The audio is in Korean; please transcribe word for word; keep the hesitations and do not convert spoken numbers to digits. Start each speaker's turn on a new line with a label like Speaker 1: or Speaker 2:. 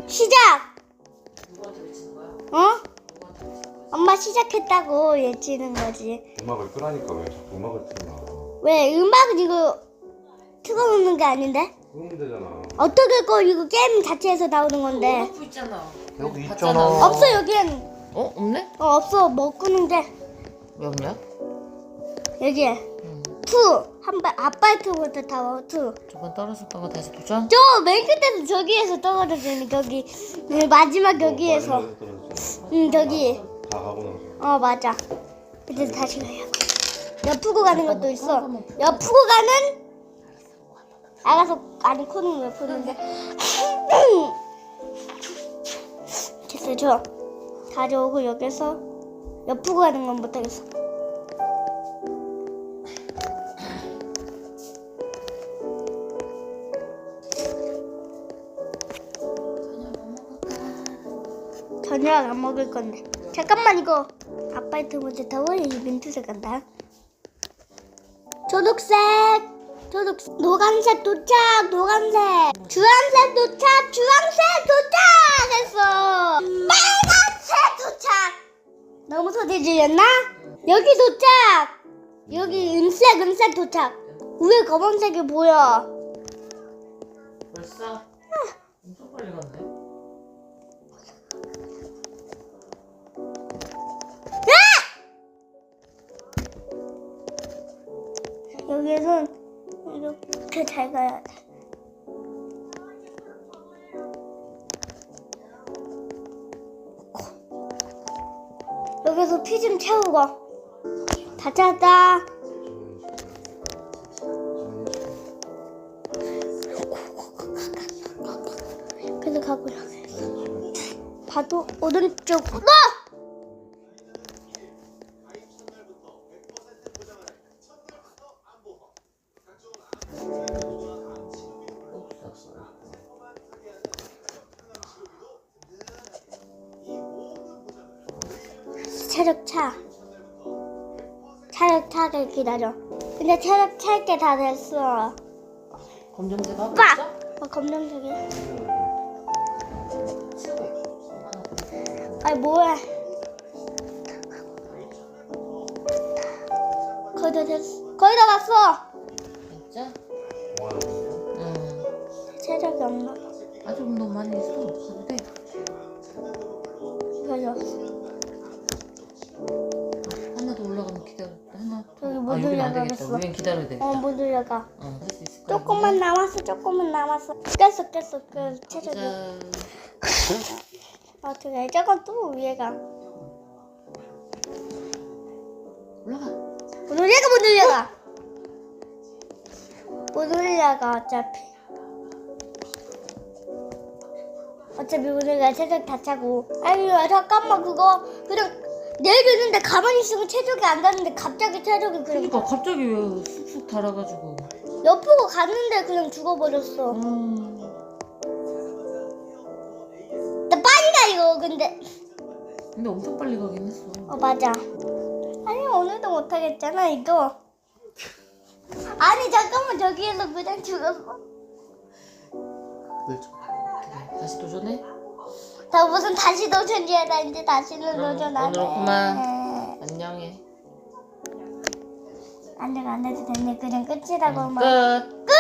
Speaker 1: 시작!
Speaker 2: 누구한테 외치는 거야?
Speaker 1: 어?
Speaker 2: 누구한테 외치는 거야?
Speaker 1: 엄마 시작했다고 외치는 거지.
Speaker 3: 음악을 끄라니까 왜 자꾸 음악을 틀나?
Speaker 1: 왜? 음악은 이거 틀어놓는 게 아닌데?
Speaker 3: 끄면 되잖아.
Speaker 1: 어떻게 꺼? 이거 게임 자체에서 나오는 건데.
Speaker 2: 오프 있잖아.
Speaker 3: 여기
Speaker 2: 봤잖아.
Speaker 3: 있잖아.
Speaker 1: 없어 여기엔.
Speaker 2: 어? 없네?
Speaker 1: 어 없어. 뭐 끄는데.
Speaker 2: 왜 없냐?
Speaker 1: 여기에
Speaker 2: 응.
Speaker 1: 투. 한발 아파트부터 타워 투.
Speaker 2: 저번 떨어졌던 거 다시 도전?
Speaker 1: 저 맨 끝에서 저기에서 떨어졌더니 거기 네, 마지막 여기에서.
Speaker 3: 어, 마지막에 떨어졌잖아.
Speaker 1: 응 저기.
Speaker 3: 다 가고 나서.
Speaker 1: 어 맞아. 이제 다시 가야. 옆으로 가는 것도 있어. 옆으로 가는. 알아서 아니 코는 왜 푸는데? 됐어요. 저 가져오고 여기서 옆으로 가는 건 못하겠어. 저녁 안 먹을 건데. 잠깐만 이거 아파트 먼저 타워 이 민트색 간다. 초록색, 초록색, 노란색 도착, 노란색, 주황색 도착, 주황색 도착했어. 빨간색 도착. 너무 소리 질렸나? 여기 도착. 여기 은색, 은색 도착. 위에 검은색이 보여.
Speaker 2: 벌써? 엄청 빨리 갔네.
Speaker 1: 여기는 이렇게 잘 가야 돼. 여기서 피 좀 채우고. 다 찾았다. 그래서 가고 있어. 봐도 오른쪽. 너! 체력 차. 체력 차를 기다려. 근데 체력 찰 게 다 됐어.
Speaker 2: 검정색 하고
Speaker 1: 빠!
Speaker 2: 있어?
Speaker 1: 어, 검정색이.
Speaker 2: 치우고.
Speaker 1: 아니 뭐해? 거의 다 됐어. 거의 다 왔어.
Speaker 2: 진짜?
Speaker 3: 뭐
Speaker 2: 응.
Speaker 1: 체력이 없나?
Speaker 2: 아직 너무 많이 있어. 가도 돼.
Speaker 1: 거의 없어.
Speaker 2: 하나 더 올라가면 기다려. 하나.
Speaker 1: 저기
Speaker 2: 아,
Speaker 1: 못
Speaker 2: 여긴 안 되겠다.
Speaker 1: 올라가겠어.
Speaker 2: 위엔 기다려야 되겠다.
Speaker 1: 어, 못 올라가.
Speaker 2: 어, 할 수 있을 거야.
Speaker 1: 조금만 남았어. 조금만 남았어. 깼어, 깼어. 그 체력이.
Speaker 2: 짠.
Speaker 1: 어떻게? 저건 또 위에가.
Speaker 2: 올라가.
Speaker 1: 못 올라가, 못 올라가. 못 올라가 어차피. 어차피 우리가 체력 다 차고. 아니 잠깐만 그거 그냥 내리는데 가만히 있으면 체력이 안 가는데 갑자기 체력이 그냥
Speaker 2: 그러니까 갑자기 왜 쑥쑥 달아가지고.
Speaker 1: 옆으로 갔는데 그냥 죽어버렸어.
Speaker 2: 음.
Speaker 1: 나 빨리 가 이거 근데.
Speaker 2: 근데 엄청 빨리 가긴 했어.
Speaker 1: 어 맞아. 아니 오늘도 못하겠잖아 이거. 아니 잠깐만 저기에서 그냥 죽었어.
Speaker 2: 그래, 다시 도전해?
Speaker 1: 나 무슨 다시 도전이야. 나 이제 다시는
Speaker 2: 그럼
Speaker 1: 도전 안 해.
Speaker 2: 오늘 그만. 안녕해.
Speaker 1: 안 돼, 안 해도 됐네. 그냥 끝이라고 막.
Speaker 2: 끝.
Speaker 1: 끝!